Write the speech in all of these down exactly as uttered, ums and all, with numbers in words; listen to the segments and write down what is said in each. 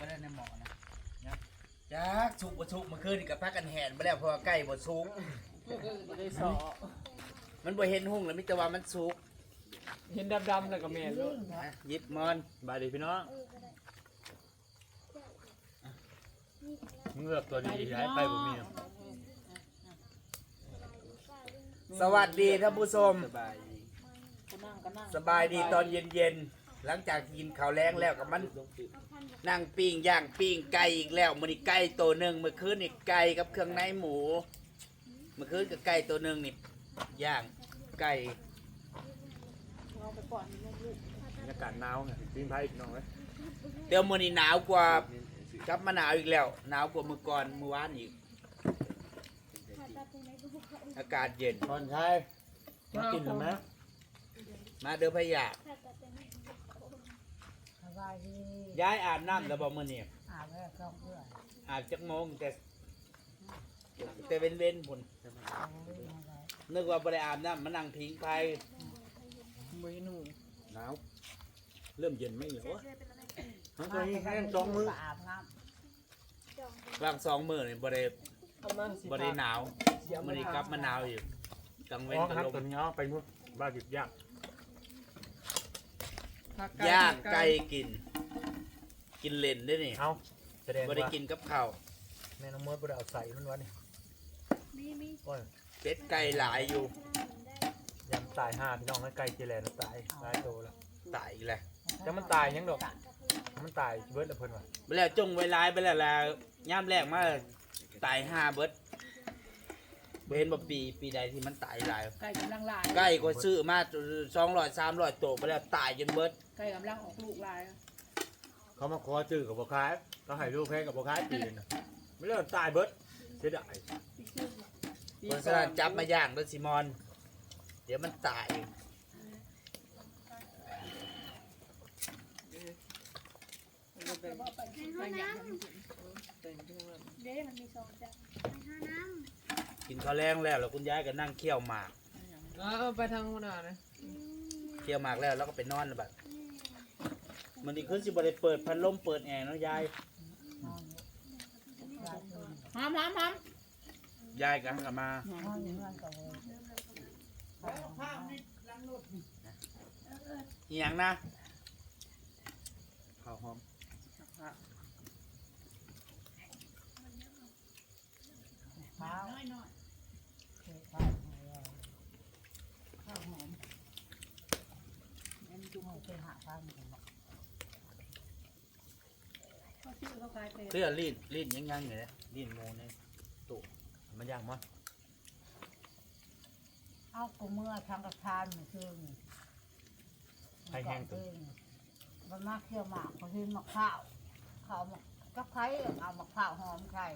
ได้ในหมอนะจ้าชุกบ่ชุกเมื่อคืนนี่กับพักกันแหนไปแล้วเพราะว่าใกล้บ่ชุกบ่ได้สอมันบ่เห็นหุ่งแล้วมิแต่ว่ามันชุกเห็นดำๆแล้วก็แม่นลูกอ่ะหยิบมอนบายดีพี่น้องเงือกตัวดีย้ายไปบ่มีสวัสดีท่านผู้ชมสบายดีก็นั่งก็นั่งสบายดีตอนเย็นๆหลังจากกินข้าวแรงแล้วกับมันนั่งปิ้งย่างปิ้งไก่อีกแล้วมื้อนี้ไก่ตัวหนึงเมื่อคืนนี่ไก่กับเครื่องในหมูเมื่อคืนกับไก่ตัวหนึงนี่ย่างไก่เอาไปก่อนลูกบรรยากาศหนาวไงปิ้งไผ่พี่น้องเอ้ยเดี๋ยวมื้อนี้หนาวกว่ากลับมาหนาวอีกแล้วหนาวกว่าเมื่อก่อนเมื่อวานอีกอากาศเย็นตอนชายมากินหรือไหมมาเด้อพะยาสบายดีย้ายอาบน้ำแล้วบ่มื้อนี้อาบแล้วก็เพื่อนอาบจักโมงแต่แต่เว้นเว้นๆพุ่นเอาไว้ยังไงนึกว่าบ่ได้อาบน้ำมานั่งพิงไผบ่เห็นหูหนาวเริ่มเย็นไหมเหรอวะทั้งตัวนี้แห้งสองมืออาบน้บางสองมื้อนี่บ่ได้ประมาณสิบ่ได้หนาวมื้อนี้กลับมาหนาวอยู่กลางเว้นอ๋อก็ครับลมตัวนี้เอาไปนู่นบ้านหยุดยากย่างไก่กิน กินเล่นเด้อนี่เอาแสดงบ่ได้ว่ากินกับข้าวแม่น้องมดบ่ได้เอาใส่มันวะนี่โอ้ยเป็ดไก่หลายอยู่ยำตายห้าพี่น้องแล้วไก่เจริญตายตายโตแล้วตายอีกแล้วำจะมันตายยังดอกมันตายเบิดละเพิ่นว่ะไปแล้วจงไว้หลายไปแล้วล่ะยามแรกมาตายห้าเบิดบ่เห็นบ่ปีปีใดที่มันตายหลายไก่กำลังลายไก่ก็ซื้อมาสองร้อยสามร้อยตัวไปแล้วตายจนเบิดไก่กำลังออกลูกลายเขามาขอจื้อกับบ่ขายเขาให้ลูกแพงกับบ่ขายปีนึงน่ะไม่เลิกตายเบิดเสียดายเพราะฉะนั้นจับมาย่างด้วยซิมอน เดี๋ยวมันตายไปห้องน้ำเด้มันมีสองจังไปห้าน้กินข้าวแรงแล้วแล้วคุณยายก็นั่งเคี่ยวหมากเอาไปทางหัวหน้านะเคี่ยวหมากแล้วแล้วก็ไปนอนแล้วแบบมันนี่คือสิบ่ได้เปิดพัดลมเปิดแอร์เนาะยายหอมหอมหอมยายก็หันกลับมาห้องนี้มันก็เลยอีหยังนะข้าวหอมเท้าน้อยน้อยเท้าข้าวข้าวหอมอันจุ่มเอาไปหาข้าวกันเขาชื่อเขากลายเป็นเสื้อรีดรีดยังยังอยู่เลยรีดโมในตู้มันย่างมั้ยเอากูเมื่อทางกระทานมันคือให้แห้งตัวมันมาเคี่ยวหมากเขาทิ้งมะข้าวข้าวกับไข่เอามะข้าวหอมไข่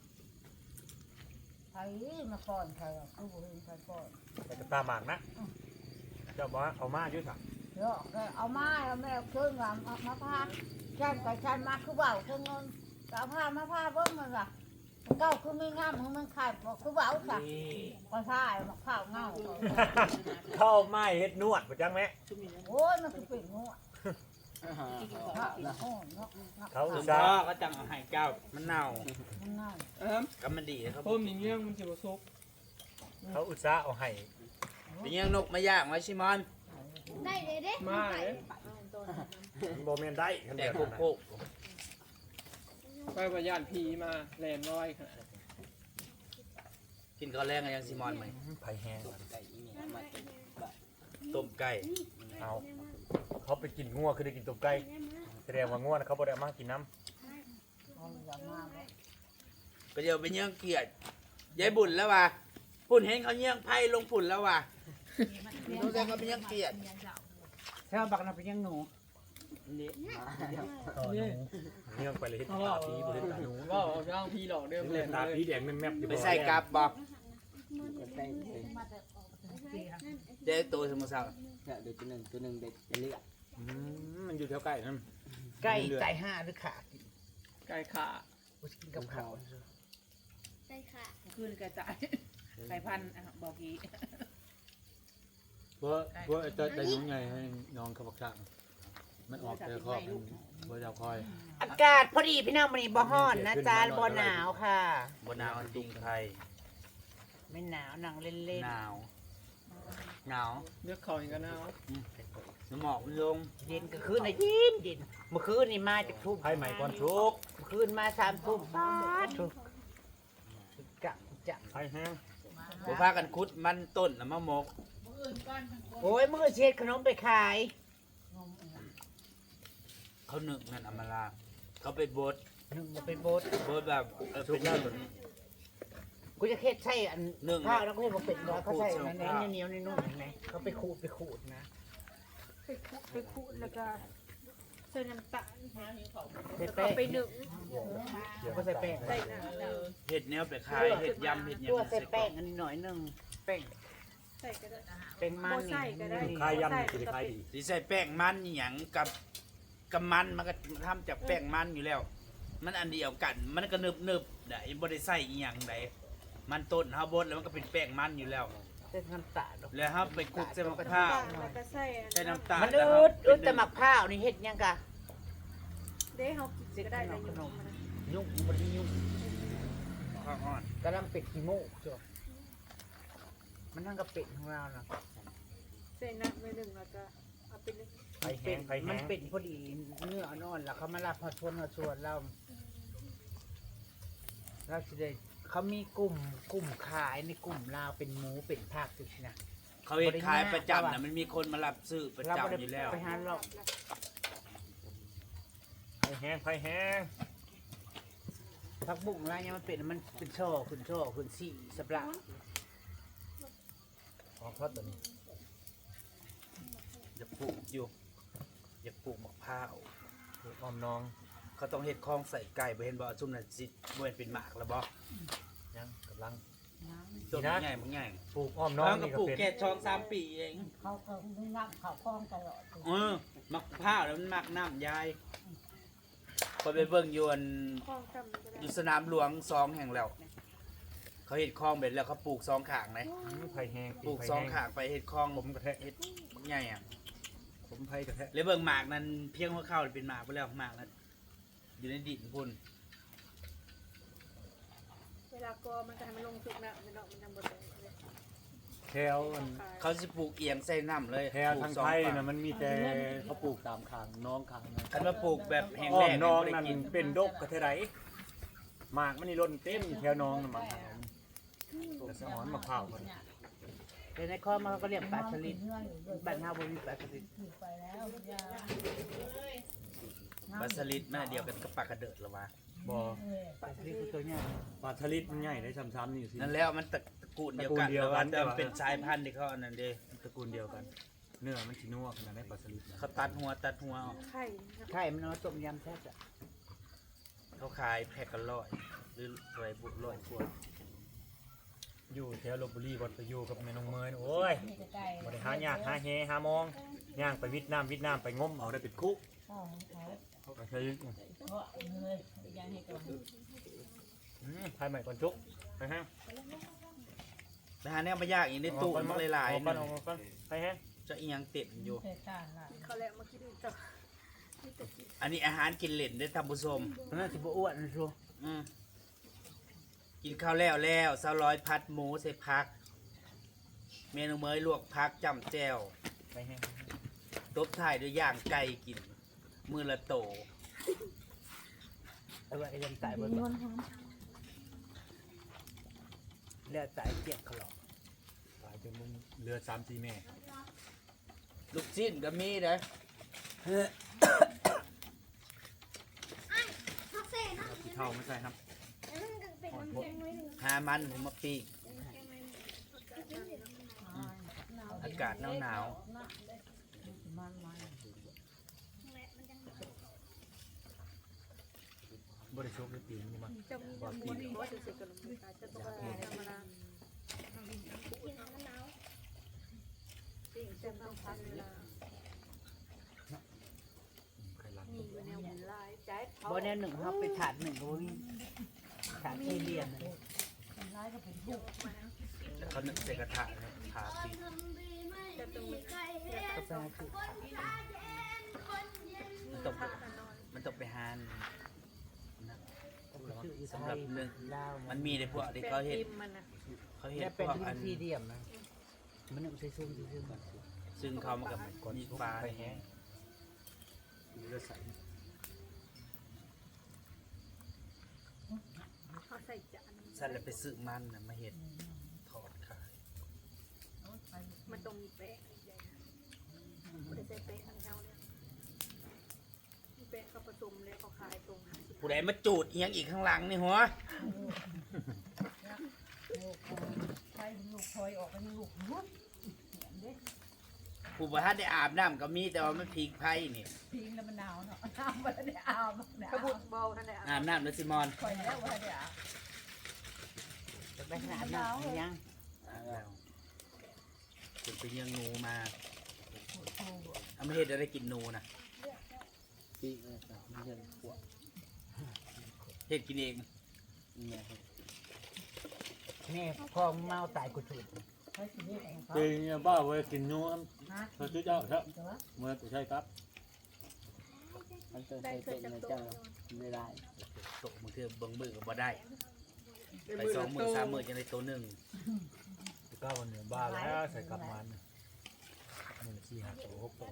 ไข่มาก่อนไข่คือบุหินไข่ก่อนแต่ก็ตาหมากนะเจ้าบอกว่าเอามาอยู่สั่งเดี๋ยวเอามาเอาแม่เครื่องมามาพาฉันกับฉันมาคือเบาเครื่องเงินเอาผ้ามาผ้าเบิ้งมันล่ะเก้าคือไม่งามมึงมันขาดคือเบาจ้ะนี่ก็ใช่มะข้าวเงาเข้าไม้เฮ็ดนวดบ่จังแม่จุ่มนี่โอ้ยมันคือปิ่งงัวำโอ้เนาะเขาคุอุณตส่าพ่อห์ก็จังเอาให้เจ้ามันเน่ามันเงาเออก็มันดีครับพ่มอย่างเงี้ยมันจะบ่ซุกเขาอุตส่าห์เอาให้เป็นยังนกมาย่างไว้ชิมอนได้เลยเด้มาเลยมันบ่แม่นได้คันแต่เดียวโคนั่นโคน่ะไปประยานผีมาแลนร้อยขนาดกินข้าวแรงกันยังชิมอนไหมไผ่แห้งไก่อีเหนียวมาเต็มบะต้มไก่เอาเขาไปกินงัวคือได้กินต้มไก่แสดงว่างัวน่ะเขาบ่ได้เอามากินน้ำเอาอย่างมากก็เดี๋ยวไปเยี่ยงเกียรติยายบุญแล้วว่ะปุ่นเห็นเขาเยี่ยงไพ่ลงฝุ่นแล้วว่ะรู้สึกเขาไปเยี่ยงเกียรติแค่บักน่ะเป็นยังหนูนี่ต่อหนูเนื่องไปเลยเฮ็ดเขาตาบอกผีบ่เฮ็ดตาหนูก็เอาย่างพี่หลอกเดิมเล่นตาผีแดงแม่บๆอยู่ไปใส่กลับบอกก็ได้เลยเจ๊ตัวสมุทรสาครเนี่ยเดี๋ยวตัวหนึ่งตัวหนึ่งเด็ดจะเลือดอืมมันอยู่แถวใกล้นั่นไก่ไก่ห้าหรือขาไก่ขากินกับข้าวใช่ค่ะขึ้นกระจายไก่พันธุ์บอกกี้เพราะเพราะจะได้หนูไงให้น้องเขาบักช่างมันออกเจอครอบบ่เจ้าคอยอากาศพอดีพี่น้องมันนี่บ่ฮ้อนนะจ๊ะบ่หนาวค่ะบนหนาวจุงไทยไม่หนาวนั่งเล่นหนาวหนาวเลือกเขาอีกกันนะน้ำหมอกมันลงๆเย็นก็คืนน่ะเย็นเย็นเมื่อคืนนี่มาจากทุ่มไผใหม่ก่อนชุกเมื่อคืนมาสามทุ่มป้าดทุกกะจะไผแห้งบ่พากันคุดมันต้นน่ะมะมกโอ้ยมื้อเช็ดขนมไปขายเขาหนึ่งนั่นอำมาลาเขาไปบดหนึ่งไปโบสบดแบบเออเป็นเรื่องกูจะเค็ดใช่อันหนึ่งข้าวแล้วก็เห็นบอกเป็ดร้อยเขาใส่ในในเหนียวในนุ่มเห็นไหมเขาไปขูดไปขูดนะไปคุไปคุแล้วก็ใส่น้ำตาลใส่แล้วแป้ก็งไปหนึ่งก็ใส่แป้งใส่น้ำเลยเห็ดแนวไปขายเห็ดยำเห็ดหยังตัวใส่ใส่กล่แป้อง งอันนี้หน่อยหนึงแป้งใส่ก็ได้แป้งมันบ่ใส่ก็ได้นี่คายยำนี่สิได้ขายดีสิใส่แป้งมันอหย่างกับกับมันมันก็ทำจากแป้งมันอยู่แล้ว มันอันเดียวกัน มันก็นึบนึบๆได้บ่ได้ใส่อีหยังใดมันต้นเฮาบดแล้วมันก็เป็นแป้งมันอยู่แล้วใส่น้ำตาลแล้วเฮาไปคลุกใส่มะพร้าวแล้วก็ใส่ใส่น้ำตาลมันแล้วอืเฮาดอืดแต่หมักข้าวนี่เฮ็ดยังกะเด้เขากินก็ได้เลยอยู่มันยุ่งบไดยุ่งข้าวอ่อนกำลังเป็ดขี้โม่จ้ะมันทั้งกับเป็ดของเราน่ะใส่น้ำไปหนึ่งแล้วก็เอาไปหนึ่งไผเป็แห้ดงไผมัแห้นงเป็ดพอดีเนื้ออ่อนๆแล้วเขามาลาบพอชวนพอชวนเราเราสิได้เขามีกลุ่มกลุ่มขายในกลุ่มลาวเป็นหมูเป็นผักสินะเขาเฮ็ดขายประจำน่ะมันมีคนมารับซื้อประเราจำบ่ได้อยู่แล้วไปหาหรอกไผแห้งไผแห้งผักบุ้งอะไรเนี่ยมันเป็นมันเป็นช่อขึ้นช่อขึ้นสี่สับละอ๋อพอดตัวนี้อย่าปลูกอยู่อย่าปลูกมะพร้าวปลูกอ้อมน้องเขาต้องเฮ็ดคลองใส่ไก่บ่เห็นบ่ซุ่มน่ะสิบ่เห็นเป็นหมากแล้วบ่ยังกำลังต้นนี่นะใหญ่บ่ใหญ่ปลูกอ้อมน้องก็นี่ก็ปลูกเป็นแค่สองสามปีเองเขาก็มึงนับเขาคล้องตลอดเออมะพร้าวแล้วมันมักน้ำยายพอไปเบิ่งอยู่อันข้องจำก็ได้อยู่สนามหลวงสองแห่งแล้ว เขาเฮ็ดคลองเบ็ดแล้วเขาปลูกสองข้างเลยอืมไผแห้งปลูกสองข้างไปเฮ็ดคลองผมกระแทะเฮ็ดบักใหญ่อ่ะผมไผกระแทะแล้วเบิ่งหมากนั้นเพียงหัวเข้าเป็นหมากไปแล้วหมากนั้นอยู่ในดินพุ่นเวลากอมันจะให้มันลงสุกนะมันเนาะมันทำบดเลยแถวอันเขาสิปลูกเอียงใส่น้ำเลยแถวปลูทาก งสอไทยฝั่น่ะมันมีแต่เขาปลูกตามขางน้องขางนะคันมาปลูกแบบแห้งอ้อแล้มงน้องบ่ได้นั่นกินเป็นดกกระเทไดหมากมันนี่ล้นเต็มแถวน้องน่ะหมากกระสอนมะพร้าวมันแต่ในคลองมันก็เรียกปลาสลิดบ้านเฮาบ่มีปลาสลิดไปแล้วยาปลาสลิดแม่เดียวกันกับปลากระเดิดหรอวะบ่ปลาสลิดคือตัวใหญ่ปลาทะลิดมันใหญ่ได้ซ้ำๆนี่สินั่นแล้วมันตระกูลเดียวกันตระกูลเดียวกันแต่ว่าเป็นสายพันธุ์ที่เขาอันนั้นเด้ตระกูลเดียวกัน เนื้อมันสินัวขนาดได้ปลาสลิดนะเขาตัดหัวตัดหัวออกไข่นะไข่มันเอาต้มยำแซ่บอ่ะเขาขายแพ็คกันร้อยหรือร้อยบุร้อยขวดอยู่แถวลพบุรีบ่ไปอยู่กับแม่น้องเมยโอ้ยไม่ใกล้บ่ได้หายากหาแฮหามองย่างไปวิทน้ำวิทน้ำไปงมเอาได้เป็นคุกข้าวเขาเขาก็ใช้เพราะเลยยังให้ก่อนอืมทายใหม่ก่อนจุกไปฮะนะฮะเนี่ยมายากอีกในตู้มันหลายออกๆก่อนนึออง กก่อนไปฮะจะอีหยังเต็มอยู่เสร็จต้านละเขาแล้วมากินต่ออันนี้อาหารกินเล่นได้อท่านผู้ชมมันน่าสิบ่อ้วนนะชัวอืมกินข้าวแล้วแล้วสาวร้อยพัดหมูใส่พัก เมนูเมยลวกพักจำแจ่วไปฮะตบท้ายด้วยย่างไก่กิน มือละโตแต่ว่าไอ้ยังตายบ่บ่แล้วตายเจ็บเขาหรอกตายจนมึงเหลือสามสี่แม่ลูกชิ้นก็มีนะพักเซ่นะที่เท่าไม่ใช่ครับเป็นมันแข็งไว้หนึ่งหามันผมมาปีกอากาศหนาวหนาวมันมันบริโภคได้ปีนี้มาจะมีจะมีว่าจะเสกกับลมตาจะต้องธรรมดาสิ่งจะต้องทำเวลาใครรักมีอยู่แนวหมุนลายใจบ่แน่หนึ่งเฮาไปถาดหนึ่งก็บ่มีถาดสี่เหลี่ยมน่ะร้ายก็เป็นผู้ๆแล้วเขานึ่งใส่กระทะนะทาปีกจะต้องมีก็ไปหาซื้อถาดมันต้องไปมันต้องไปหานนะสำหรับเรื่องลาวมันมีในพวกที่เขาเห็นมันนะเขาเห็นเนี่ยพเป็นวกดิอันนซีเดียมนะมันนึกใส่ซุ่มซื่อซึ่งเขามากับมีปลาไปแห้แห้งงเลือดใสเขาใส่จานสัตว์เลยไปซื้อมันนะมาเห็ดทอดขายมันต้องมีแป้งใหญ่นะไม่ได้ใส่แป้งอันเท่าเนี่ยมีแป้งเขาผสมแล้วเขาขายตรงห้าสิบผู้ใดมาจูดเอียงอีกข้างหลังนี่หัวใช้ลูกคอยออกไปลูกรุ่นผู้ประทัดได้อาบน้ำก็มีแต่ว่ามันพีกไผ่นี่พิงแล้วมันหนาวเนาะน้ำมันได้อาบหนาวกระบุดเบาท่านใดอาบน้ำแล้วซิมอนคอยแล้วว่าเดี๋ยวๆจะไปขนาดนั้นยังอาบแล้วถึงไปเลี้ยังงูมาเอามาเห็ดอะไรกินงูนะปีกเลยครับมันจะปวดเห็ดกินเองเนี่ยครับนี่พ่อเมาตายกูจุดปีนี้บ้าไว้กินนูเขาชื่อเจ้าครับเมื่อใช่ครับมันจะใส่เป็นนะเจ้าไม่ได้โตมือคือเบิ่งมือก็บ่ได้ไปสองมือสามมือจะได้ตัวหนึ่งก็วันนี้บ้าแล้วใส่กลับมันหนึ่งสี่ห้าตัวหกตัว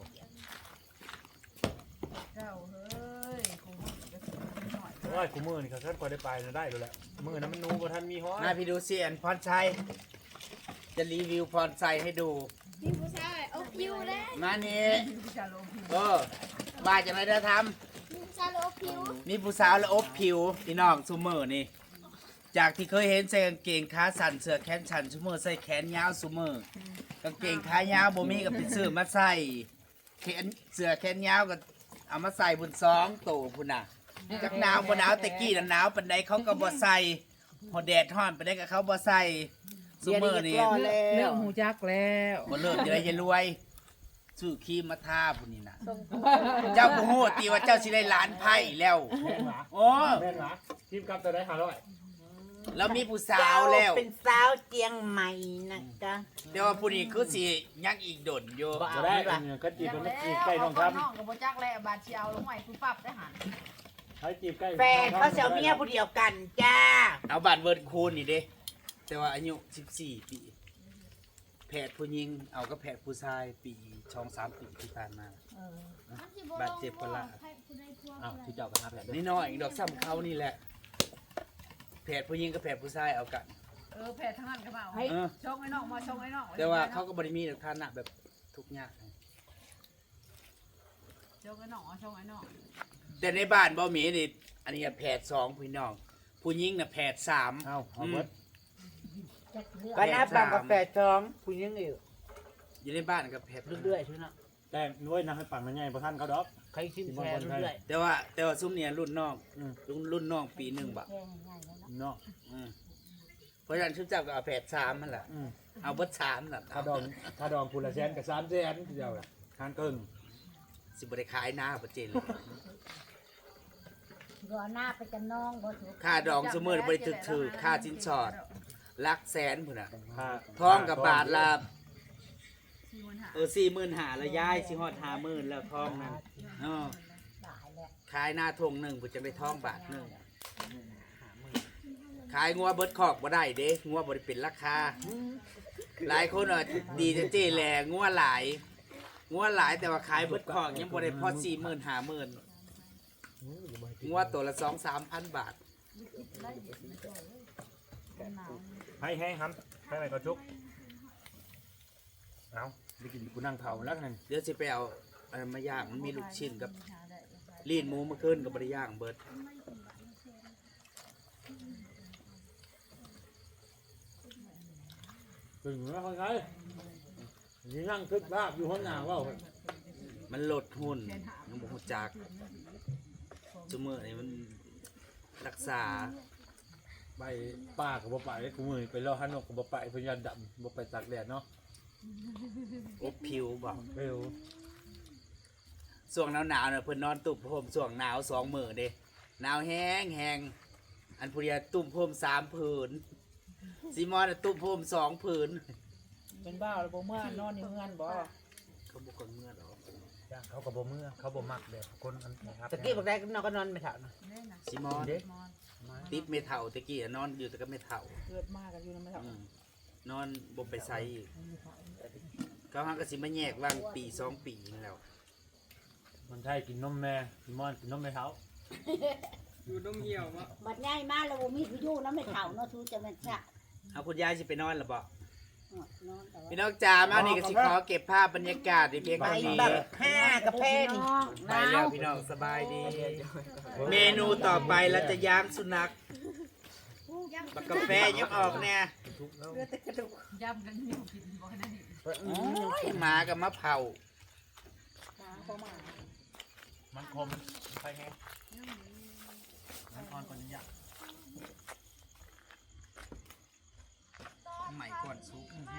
เจ้าเฮ้ยคงจะหน่อยโอ้ยกูมือนี่เขาท่านก็ได้ไปนะได้เลยแหละมือนั้นมันนูบ่ท่านมีห้อยมาพี่ดูเสียนพรชัยจะรีวิวพรชัยให้ดูนี่ผู้ชายเอาผิวแล้วมานี่จะลงผิวเออว่าจะไม่ได้ทผู้ชายเอาผิวำนี่ผู้สาวแล้วอบผิวพี่น้องซูเมอร์นี่ จากที่เคยเห็นใส่กางเกงขาสั้นเสื้อแขนสั้นซูเมอร์ใส่แขนยาวซูเมอร์กางเกงขายาวบ่มีกับไปซื้อมาใส่แขนเสื้อแขนยาวก็เอามาใส่บนซองโตพุ่นน่ะจักหนาวบ่หนาวแต่กี้น่ะหนาวปานใดเขาก็บ่ใส่พอแดดร้อนปานใดก็เขาบ่ใส่ซูเมอร์นี่เรื่องหูจักแล้วบ่เลิกจะได้จะรวยซื้อครีมมาทาพุ่นนี่น่ะเจ้าบ่ฮู้ติว่าเจ้าสิได้ล้านไพ่แล้วแม่นหรอโอ้แม่นหรอทีมกลับตัวได้ห้าร้อยแล้วมีผู้สาวแล้วเป็นสาวเจียงใหม่นะจ๊ะแต่ว่าผู้นี้คือสิยังอีกดนอยู่จะได้เนี่ยก็จีบมันจีบใกล้น้องครับน้องกับโบจักแล้วบาดเชียวลงใหม่คุณปรับได้หันให้จีบใกล้แฟนเขาเสียวเมียผู้เดียวกันจ้าเอาบัตรเวิร์ดคูณนี่เด้แต่ว่าอายุสิบสี่ปีแพทย์ผู้หญิงเอาก็แพทย์ผู้ชายปีช่องสามปีที่ผ่านมาบาดเจ็บปะละอ้าวที่เจ้ากันหาแผลด้วยนี่น้อยอีกดอกซ้ำเขานี่แหละแพทย์ผู้หญิงกับแพทย์ผู้ชายเอากันเออแผลทั้งนั้นก็มาเออชงไอ้น้องมาชงไอ้น้องแต่ว่าเขาก็บริมีฐานะแบบทุกข์ยากชงไอ้น้องชงไอ้น้องแต่ในบ้านบ่มีนี่อันนี้แพทย์สองพี่น้อง ผู้หญิงน่ะแพทย์สามเอ้าเอาเบิดก็นับตามกาแฟจองผู้หญิงอีกอยู่ในบ้านกับแพทย์เรื่อยๆใช่ไหมแต่ด้วยนะให้ปั่นมันใหญ่เพราะท่านเขาดอกใครชิมแชร์เรื่อยแต่ว่าแต่ว่าซุ้มเนี่ยรุ่นน้องอืมรุ่นรุ่นน้องปีหนึ่งบะเนาะอืมเพราะฉะนั้นชุดเจ้าก็เอาแผดสามมันแหละอืมเอาเบิดสามนั่นถ้าดองถ้าดองคุณละแสนกับสามแสนเดียวละทานเกินสิบริขายหน้าประเจนเลยรอหน้าไปกันน้องบ่ถูกค่าดองสมมือบริตึกถือค่าสินสอดลักแสนพุ่นน่ะค่าทองกับบาทละเออสี่หมื่นหาละย้ายสิฮอดห้าหมื่นแล้วทองนั่นเออขายหน้าทงหนึ่งพุ่นจะได้ทองบาทหนึ่งขายงัวเบิดคอกบ่ได้เด้งัวบ่ได้เป็นราคา หลายคนอ่ะดีจะเจ๊แหล่งัวหลายงัวหลายแต่ว่าขายเบิดคอกยังบ่ได้พอสี่หมื่นห้าหมื่นงัวตัวละสองสามพันบาทให้ให้ครับให้อะไรก็ชุกเอาได้กินกูนั่งเผาแล้วนั่นเดี๋ยวสิไปเอาอันนั้นมาย่างมันมีลูกชิ้นกับลีนหมูมาขึ้นกับบริย่างเบิดถึงแล้วเขาใช้นี่นั่งคึกภาพอยู่ห้องน้ำว่ามันลดหุ่นมันบ่ฮู้จักซุมื้อนี่มันรักษาไปป้ากับบ่ไปกูมือไปรอฮันนกกับบ่ไปพยานดำบ่ไปตากแดดเนาะอบผิวบ่เร็วช่วงหนาวๆน่ะเพิ่นนอนตุ่มโฮมช่วงหนาวสองมื้อเด้หนาวแห้งแห้งอันผู้เดียวตุ่มโฮมสามผืนซีมอนน่ะตุ่มโฮมสองผืนเป็นบ้าหรือบ่เมื่อนอนอยู่เงื่อนบ่เขาบ่คนเมื่อหรอกจ้างเขาก็บ่เมื่อเขาบ่มักแบบคนอันนะครับตะกี้บอกได้ก็นอนก็นอนไม่เท่านะซิมอนเด้ติดเมทัลตะกี้อะนอนอยู่แต่ก็เมทัลเกิดมากกันอยู่นะไม่เท่าอืมนอนบ่ไปไสอีกเขาหักก็สิมาแยกว่างปีสองปีนี่แล้วมันใช่กินนมแม่กินมอนกินนมแม่เท้าอยู่นมเหี่ยววะบัดง่ายมากแล้วบ่มีผู้อยู่นำไม่เฒ่าเนาะทูจะแม่นซะเอาคุณยายสิไปนอนหรือบ่นอนแต่ว่าพี่น้องจ๋ามานี่ก็สิขอเก็บภาพบรรยากาศในเพียงไปเท่านี้แบบห้ากระเพนไปแล้วพี่น้องสบายดี เมนูต่อไปเราจะย่างสุนัขบักกาแฟยังออกเนี่ย โอ้ยหมากับมะเผามันคมใช่ไงมันอ่อนกว่านี้อ่ะใหม่ก่อนซุป